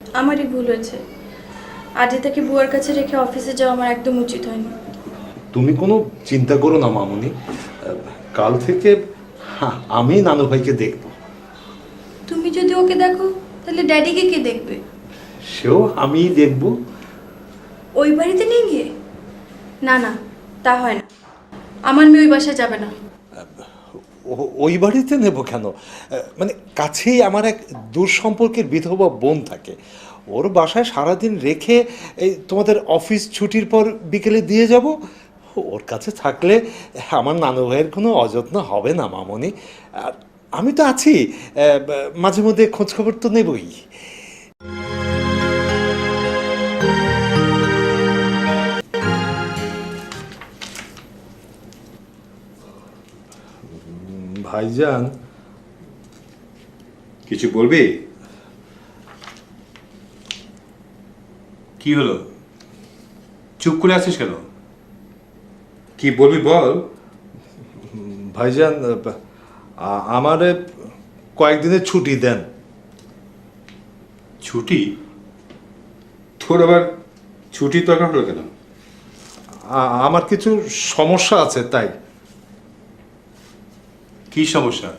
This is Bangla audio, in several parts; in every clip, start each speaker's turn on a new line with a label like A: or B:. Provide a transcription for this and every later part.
A: আমারই ভুল হয়েছে। আজই তাকে বুয়ার কাছে রেখে অফিসে যাওয়া আমার একদম উচিত হয়নি।
B: তুমি কোনো চিন্তা করো না মামুনি, কাল থেকে আমি নানু ভাইকে দেখব।
A: তুমি যদি ওকে দেখো তাহলে ড্যাডিকে কে দেখবে?
B: সেও আমিই দেখব।
A: ওই বাড়িতে নিয়ে গিয়ে? না না, তা হয় না। আমার মেয়ে ওই বাসায় যাবে না।
B: ওই বাড়িতে নেব কেন? মানে কাছেই আমার এক দূর সম্পর্কের বিধবা বোন থাকে। ওর বাসায় সারাদিন রেখে এই তোমাদের অফিস ছুটির পর বিকেলে দিয়ে যাব। ওর কাছে থাকলে আমার নানু ভাইয়ের কোনো অযত্ন হবে না মামনি। আর আমি তো আছি, মাঝে মধ্যে খোঁজখবর তো নেবই। ভাইজান,
C: কিছু বলবি? কি হলো, চুপ করে আছিস কেন? কি বলবি বল।
B: ভাইজান, আমারে কয়েকদিনের ছুটি দেন।
C: ছুটি? তোর আবার ছুটির দরকার হলো কেন?
B: আমার কিছু সমস্যা আছে তাই।
C: কি সমস্যা?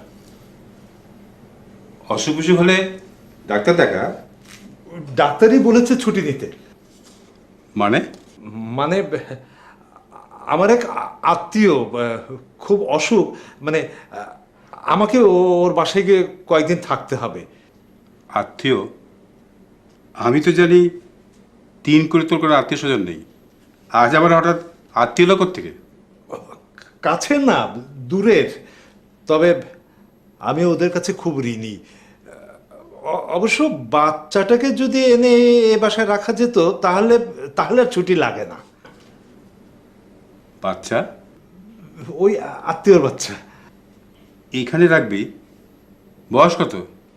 C: অসুখ বিসুখ হলে ডাক্তার দেখা।
B: ডাক্তারই বলেছে ছুটি নিতে।
C: মানে?
B: মানে আমার এক আত্মীয় খুব অসুখ, মানে আমাকে ওর বাসায় গিয়ে কয়েকদিন থাকতে হবে।
C: আত্মীয়? আমি তো জানি 3 করে তোর কোনো আত্মীয় স্বজন নেই। আজ আবার হঠাৎ আত্মীয় লোক থেকে?
B: কাছের না, দূরের। তবে আমি ওদের কাছে খুব ঋণী। অবশ্য বাচ্চাটাকে যদি এনে এ বাসায় রাখা যেত তাহলে তাহলে আর ছুটি লাগে না।
C: বাচ্চা?
B: ওই আত্মীয়র বাচ্চা।
C: এইখানে রাখবি? বয়স কত?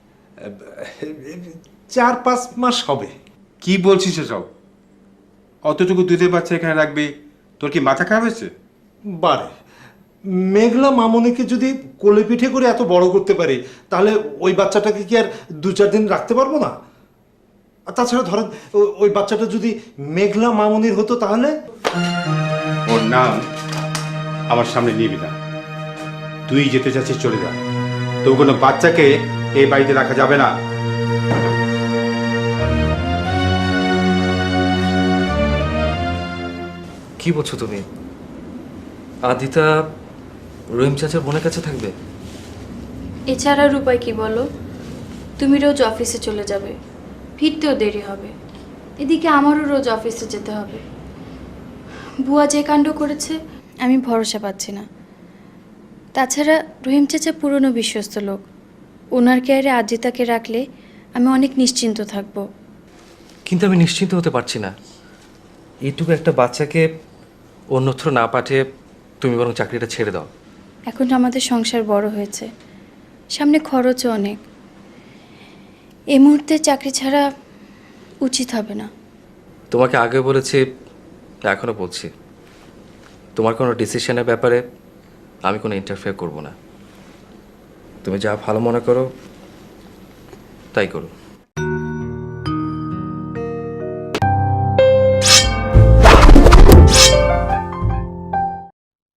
B: 4-5 মাস হবে।
C: কি বলছিস এসব? অতটুকু দুধের বাচ্চা এখানে রাখবি? তোর কি মাথা খারাপ হয়েছে?
B: বারে মেঘলা মামনিকে যদি কোলে পিঠে করে এত বড় করতে পারি, তাহলে ওই বাচ্চাটাকে কি আর 2-4 দিন রাখতে পারবো না? আর তাছাড়া ধরেন ওই বাচ্চাটা যদি মেঘলা মামনির হতো তাহলে।
C: ওর নাম আমার সামনে নিবি না। তুই যেতে চাচ্ছিস চলে যা। তো কোনো বাচ্চাকে এই বাড়িতে রাখা যাবে না।
D: কি বলছো তুমি? আদিতা রহিম চাচার বোনের কাছে থাকবে?
A: এছাড়া আর উপায় কি বলো? তুমি রোজ অফিসে চলে যাবে, ফিরতেও দেরি হবে। এদিকে আমারও রোজ অফিসে যেতে হবে। বুয়া যে কাণ্ড করেছে, আমি ভরসা পাচ্ছি না। তাছাড়া রহিম চাচা পুরনো বিশ্বস্ত লোক। ওনার কেয়ারে আজিতাকে রাখলে আমি অনেক নিশ্চিন্ত থাকব।
D: কিন্তু আমি নিশ্চিন্ত হতে পারছি না। এইটুকু একটা বাচ্চাকে অন্যত্র না পাঠিয়ে তুমি বরং চাকরিটা ছেড়ে দাও।
A: এখন আমাদের সংসার বড় হয়েছে, সামনে খরচও অনেক। এই মুহূর্তে চাকরি ছাড়া উচিত হবে না।
D: তোমাকে আগে বলেছি, এখনও বলছি, তোমার কোনো ডিসিশনের ব্যাপারে আমি কোনো ইন্টারফেয়ার করব না। তুমি যা ভালো মনে করো তাই করো।